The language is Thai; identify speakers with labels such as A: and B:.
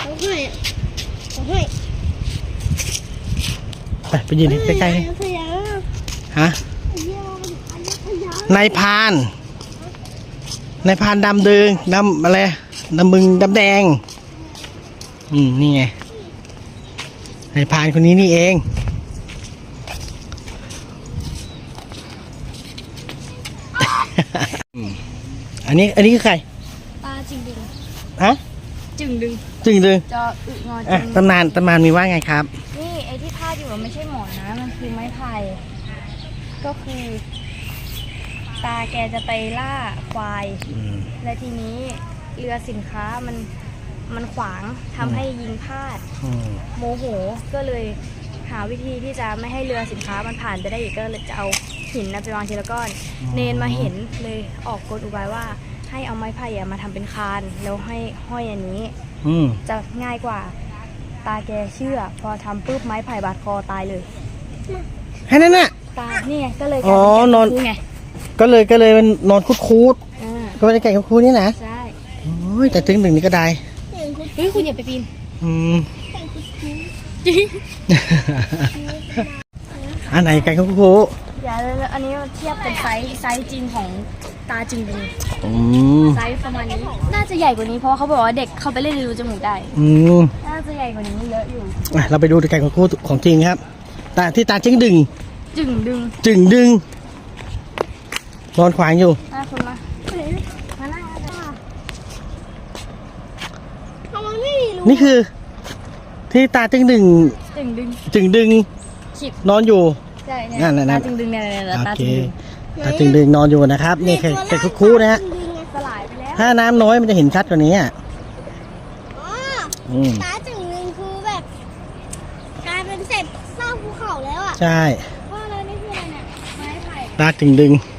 A: ไปยืนใกล้ๆฮะนายพรานดำดึงดำอะไรดำบึงดำแดงนี่ไงนายพรานคนนี้นี่เองอันนี้คือใคร
B: ปลาจึงดึง
A: ฮะ
B: จึงดึง
A: จออึ
B: งอจึง
A: ตำนานมีว่าไงครับ
B: นี่ไอ้ที่พาดอยู่ไม่ใช่หมอนนะมันคือไม้ไผ่ก็คือตาแกจะไปล่าควายและทีนี้เรือสินค้ามันขวางทำให้ยิงพลาดโมโหก็เลยหาวิธีที่จะไม่ให้เรือสินค้ามันผ่านไปได้อีกก็เลยจะเอาหินไปวางทีละก้อนเนนมาเห็นเลยออกกฎอุบายว่าให้เอาไม้ไผ่มาทำเป็นคานแล้วให้ห้อยอันนี้จะง่ายกว่าตาแกเชื่อพอทำปุ๊บไม้ไผ่บาดคอตายเลย
A: แค่นั้นน่ะ
B: ตายนี่ไงก็เลย
A: นอน
B: ไง
A: ก็เลยมันนอนคูดก็ไม่ได้ไก่คูดนี่นะ
B: ใช่
A: โอ้ยแต่ถึงหนึ่งนี่ก็ได้
B: เฮ้ยคุณอย่าไปปีนจริง
A: อันไหนไก่คูด
B: อย่าเลยอันนี้เทียบเป็นไซส์จริงของตาจึงดึงไซส์ประมาณนี้น่าจะใหญ่กว่านี้เพราะเขาบอกว่าเด็กเข้าไปเล่นรูจมูกได้น่าจะใหญ่กว่านี้เยอะอยู่
A: เราไปดูไก่คูดของจริงครับตาจึงดึงนอนขวางอยู่
B: คุณมานั่ง
A: นี่คือที่ตาจึงดึงนอนอยู่
B: ใช่ตาจึงดึงเนี่ยตา
A: จึงดึงนอนอยู่นะครับนี่ไก่คูดนะฮะ
B: สลายไปแล้ว
A: ถ้าน้ำน้อยมันจะเห็นชัดกว่านี้
C: ตาจึงดึงคือแบบกลายเป็นเศษซากภูเขาแล้วอ่ะ
A: ใช่
C: ว่าแล้วนี่คืออะไรเนี่ยไม้ไผ่
A: ตาจึงดึง